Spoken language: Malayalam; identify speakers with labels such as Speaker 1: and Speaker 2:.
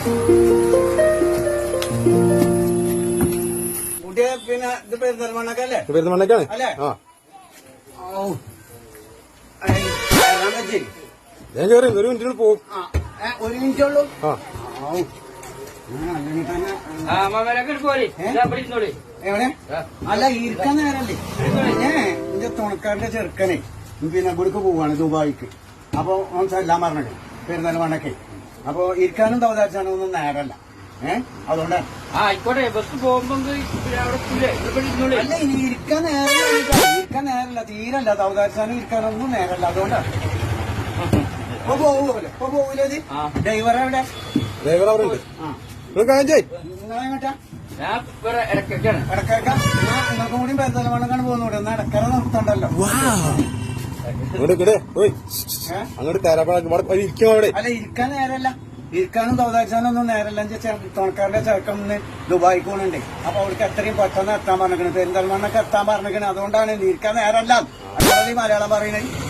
Speaker 1: കുട്ടിയെ പിന്നെ ഇത് പെരുന്തൽമണ്ണക്കല്ലേ?
Speaker 2: പെരുന്തൽമണ്ണക്കാണ്
Speaker 1: അല്ലേ?
Speaker 2: ഞാൻ കയറി ഒരു മിനിറ്റിന് പോകും.
Speaker 1: ഒരു മിനിറ്റ് ഉള്ളൂ. എവിടെ? അല്ല ഇരിക്കാൻ നേരല്ലേ? എന്റെ തുണക്കാരന്റെ ചെറുക്കനെ പിന്നെ ഇവിടേക്ക് പോവാണ് ദുബായിക്ക്. അപ്പൊ ഓൻ എല്ലാം പറഞ്ഞത് പെരുന്തൽമണ്ണക്ക്. അപ്പൊ ഇരിക്കാനും തവതാച്ചാനും ഒന്നും നേരല്ല. അതുകൊണ്ട്
Speaker 3: ആയിക്കോട്ടെ, ബസ് പോകുമ്പോ
Speaker 1: അല്ല ഇനി ഇരിക്കാൻ നേരല്ല, തീരല്ല. തവതാച്ചാനും ഇരിക്കാനൊന്നും നേരല്ല. അതുകൊണ്ടാണ് ഇപ്പൊ പോകൂല. ഇപ്പൊ പോകൂലേ? ഡ്രൈവർ എവിടെ?
Speaker 2: ഡ്രൈവർ അവിടെ ഉണ്ട്.
Speaker 1: നിങ്ങളെങ്ങോട്ടാ? ഇടക്കേക്കാം. നിങ്ങൾക്കും കൂടി പെരുന്തൽമണ്ണക്കാണ് പോകുന്നൂടെ? എന്നാ ഇടക്കര നിർത്തണ്ടല്ലോ.
Speaker 2: അങ്ങോട്ട് തരാപ്പാട് ഇരിക്കും അവിടെ.
Speaker 1: അല്ല ഇരിക്കാൻ നേരല്ല. ഇരിക്കാനും തവതാച്ചാനൊന്നും നേരല്ല. തുണക്കാരന്റെ ചെറുക്കന്ന് ദുബായിക്ക് പോകണുണ്ട്. അപ്പൊ അവർക്ക് എത്രയും പെട്ടെന്ന് എത്താൻ പറഞ്ഞിരിക്കണേ. പെരിന്തൽമണ്ണക്ക് എത്താൻ പറഞ്ഞിരിക്കണേ. അതുകൊണ്ടാണ് ഇരിക്കാൻ നേരല്ല. അതുകൊണ്ടല്ലേ മലയാളം പറയുന്നത്.